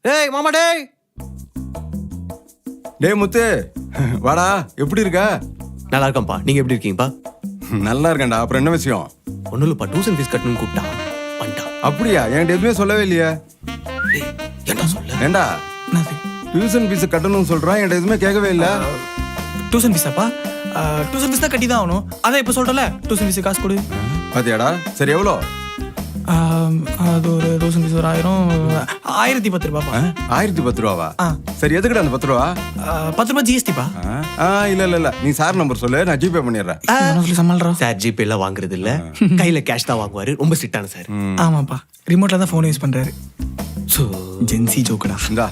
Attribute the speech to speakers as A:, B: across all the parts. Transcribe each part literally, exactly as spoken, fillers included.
A: டேய் மாமா டேய்
B: டேய் முத்து வாடா, எப்படி இருக்க?
A: நல்லா இருக்கேன்ப்பா, நீங்க எப்படி இருக்கீங்கப்பா?
B: நல்லா இருக்கேன்டா. அப்புறம் என்ன விஷயம்?
A: ஒன்றும் இல்லைப்பா, டியூஷன் ஃபீஸ் கட்டணும்னு கூப்பிட்டா பண்ணிட்டான்.
B: அப்படியா? என்கிட்ட எதுவுமே சொல்லவே இல்லையா?
A: என்ன சொல்ல?
B: ஏண்டா
C: என்னது
B: டியூஷன் ஃபீஸ் கட்டணும்னு சொல்றான், என்கிட்ட எதுவுமே கேட்கவே இல்லை.
C: டியூஷன் ஃபீஸாப்பா? டியூஷன் ஃபீஸ் தான் கட்டி தான் ஆகணும். அதான் இப்போ சொல்கிறல, டியூஷன் ஃபீஸ் காசு கொடு.
B: பாத்தியாடா? சரி எவ்வளோ?
C: ஆம், அது ஒரு டியூஷன் ஃபீஸ் ஒரு ஆயிரம் ஆயிரத்தி பத்து ரூபாப்பா.
B: ஆயிரத்தி பத்து ரூபாவா?
C: ஆ.
B: சரி எதுக்குடா அந்த பத்து ரூபா?
C: பத்து ரூபா ஜிஎஸ்டிப்பா.
B: ஆ இல்ல இல்ல இல்ல, நீ சார் நம்பர் சொல்லு, நான் ஜிபே பண்ணிடுறேன்.
C: சொல்லி சமாளிறோம்.
A: சார் ஜிபே எல்லாம் வாங்குறது இல்ல, கையில கேஷ் தான் வாங்குவாரு. ரொம்ப ஸ்ட்ரிக்டான சார்.
C: ஆமாப்பா, ரிமோட்ல தான் ஃபோன் யூஸ் பண்றாரு.
A: ஸோ
C: ஜென்சி ஜோக்கடா.
B: இந்தா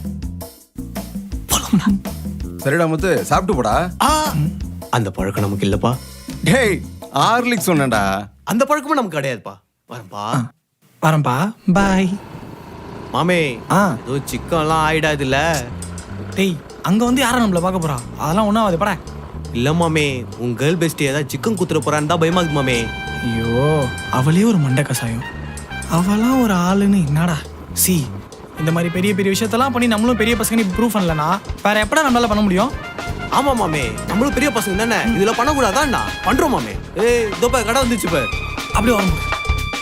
B: சரிடா முத்து, சாப்பிட்டு போடா.
A: அந்த பழக்கம் நமக்கு இல்லப்பா.
B: டேய் ஹார்லிக்ஸ் சொன்னேன்டா.
A: அந்த பழக்கமும் நமக்கு கிடையாதுப்பா. வரப்பா
C: வரேன்ப்பா, பாய்.
A: மாமே,
C: ஆ
A: ஏதோ சிக்கன்லாம் ஆயிடாது இல்ல?
C: டேய், அங்க வந்து யாரும் நம்மள பார்க்க போறா? அதெல்லாம் ஒன்றும் ஆகுது படா.
A: இல்ல மாமே, உங்க கேர்ள் பெஸ்ட் ஏதாவது சிக்கன் குத்துற போறான்னு தான் பயமா இருக்கு மாமே.
C: ஐயோ, அவளே ஒரு மண்டை கசாயம். அவளாம் ஒரு ஆளுன்னு என்னடா? சி, இந்த மாதிரி பெரிய பெரிய விஷயத்தெல்லாம் பண்ணி நம்மளும் பெரிய பசங்க ப்ரூவ் பண்ணலனா வேற எப்படா நம்மளால பண்ண முடியும்?
A: ஆமா மாமே, நம்மளும் பெரிய பசங்க தானே, இதுல பண்ணக்கூடாதான் பண்றோம் மாமே. ஏய் இதோ பாரு, கடை வந்துச்சு பாரு.
C: அப்படி வர முடியும்.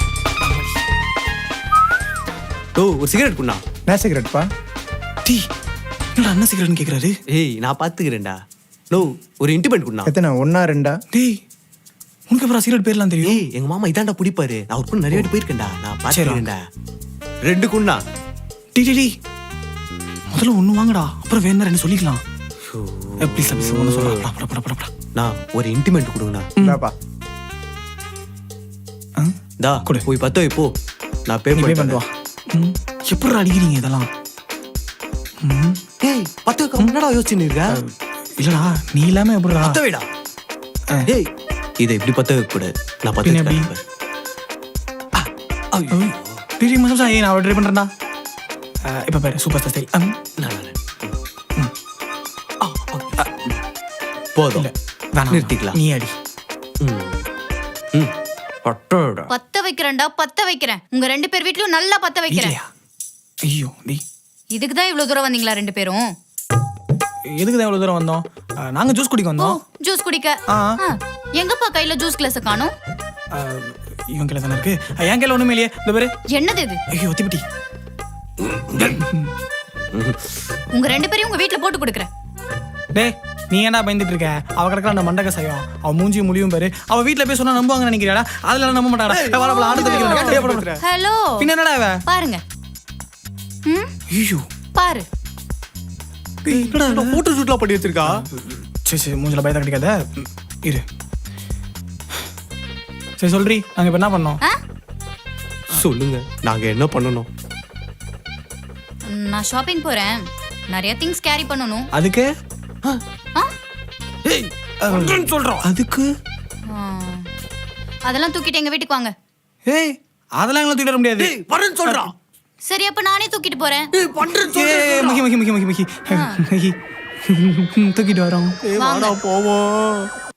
A: ஓ, ஒரு சிகரெட் குண்ணா.
C: என்ன சிகரெட்ப்பா? டீ, என்னடா என்ன சிகரெட்னு கேக்குறாரு?
A: ஏய் நான் பாத்துக்கிறேன்டா. நோ, ஒரு இன்டிமெண்ட் குண்ணா.
D: எத்தனை? ஒன்னா ரெண்டா?
C: டேய், உனக்கு அப்புறம் சிகரெட் பேர்லாம் தெரியும்?
A: ஏய் எங்க மாமா இதாண்டா பிடிப்பாரு. நான் ஒரு நிறைய வாட்டி போயிருக்கேன்டா, நான் பாத்துக்கிறேன்டா. ரெண்டு குண்ணா.
C: டி டி டி, முதல்ல ஒண்ணு வாங்கடா, அப்புறம் வேணா ரெண்டு சொல்லிக்கலாம். ப்ளீஸ் ப்ளீஸ் ஒன்று சொல்றா. பட பட பட பட.
A: நான் ஒரு இன்டிமெண்ட் கொடுங்கண்ணா.
D: இந்தாப்பா.
A: டா போய் பத்து வை போ, நான் பே
C: பே
A: பண்ணி
C: பண்ணுவா. எப்படி அடிக்கிறீங்க இதெல்லாம்?
A: ஏய் பத்து வைக்க என்னடா யோசிச்சுன்னு இருக்க?
C: இல்லடா, நீ இல்லாம எப்படிடா?
A: பத்து வைடா. ஏய் இதை இப்படி பத்து வைக்க கூடாது, நான் பத்து
C: பின்ன எப்படி?
A: வைக்கிறேன்.
C: டிடி மசாலா, ஏய் நான் ட்ரை பண்றேன்டா. இப்போ பாரு, சூப்பர் ஸ்டார் ஸ்டைல்.
A: நான் வரேன். போதும்,
C: இல்ல வேணாம்,
A: நிறுத்திக்கலாம்.
C: நீ அடி.
A: ம் ம் பட்டோடா.
E: பத்த வைக்கிறேன்டா, பத்த வைக்கிறேன். உங்க ரெண்டு பேர் வீட்லயும் நல்லா பத்த வைக்கிறேன்.
C: இல்லையா? ஐயோ டி,
E: இதுக்கு தான் இவ்வளவு தூரம் வந்தீங்களா ரெண்டு பேரும்?
C: எதுக்கு தான் இவ்வளவு தூரம் வந்தோம்? அஹ், நாங்க ஜூஸ் குடிக்க
E: ஓ,
C: வந்தோம்.
E: ஜூஸ் குடிக்க.
C: ஆ.
E: ஆ, எங்கப்பா கையில ஜூஸ் கிளாஸ் காணோம்?
C: அஹ், இவன் கையில தானே இருக்கு. அஹ், என் கையில ஒண்ணுமே இல்லையே. இந்த பாரு.
E: என்னது இது?
C: ஐயோ திப்பிட்டி.
E: உங்க ரெண்டு பேரையும் உங்க வீட்ல போட்டு கொடுக்குறேன்.
C: டேய், நீ என்ன பயந்துட்டு இருக்க? அவ கிடக்குற அந்த மண்டக செய்யும், அவ மூஞ்சியும் முடியும் பாரு. அவ வீட்ல போய் சொன்னா நம்புவாங்க நினைக்கிறியாடா? அதெல்லாம் நம்ப மாட்டாடா. வரப்பல ஆடு வைக்கிறேன்.
E: ஹலோ,
C: பின்ன என்னடா இவ?
E: பாருங்க. ம்,
C: ஐயோ,
E: பாரு.
A: என்னடா போட்டோ ஷூட்லாம் பண்ணி வச்சிருக்கா?
C: சரி சரி, மூஞ்சில பயத்தை கட்டிக்காத. ம், இரு. சரி சொல்றி, நாங்க இப்ப என்ன பண்ணோம்?
E: ஆ?
A: சொல்லுங்க, நாங்க என்ன பண்ணணும்?
E: நான் ஷாப்பிங் போறேன். நிறைய திங்ஸ் கேரி பண்ணணும்.
C: அதுக்கு
E: ஆ?
A: ஏய் பண்றேன்னு சொல்றோம்.
C: அதுக்கு
E: ஆ. அதெல்லாம் தூக்கிட்டு எங்க வீட்டுக்கு வாங்க.
C: ஏய், அதெல்லாம் எங்களை தூக்கிட்டு வர முடியாது.
A: ஏய் பண்றேன்னு சொல்றான்.
E: சரி, அப்ப நானே தூக்கிட்டு போறேன்.
A: ஏய் பண்றேன்னு
C: ஏய்,
A: சொல்றான்.
C: மகி மகி மகி மகி மகி மகி. தூக்கிட்டு வரோம்.
A: ஏய் வாடா போவோம்.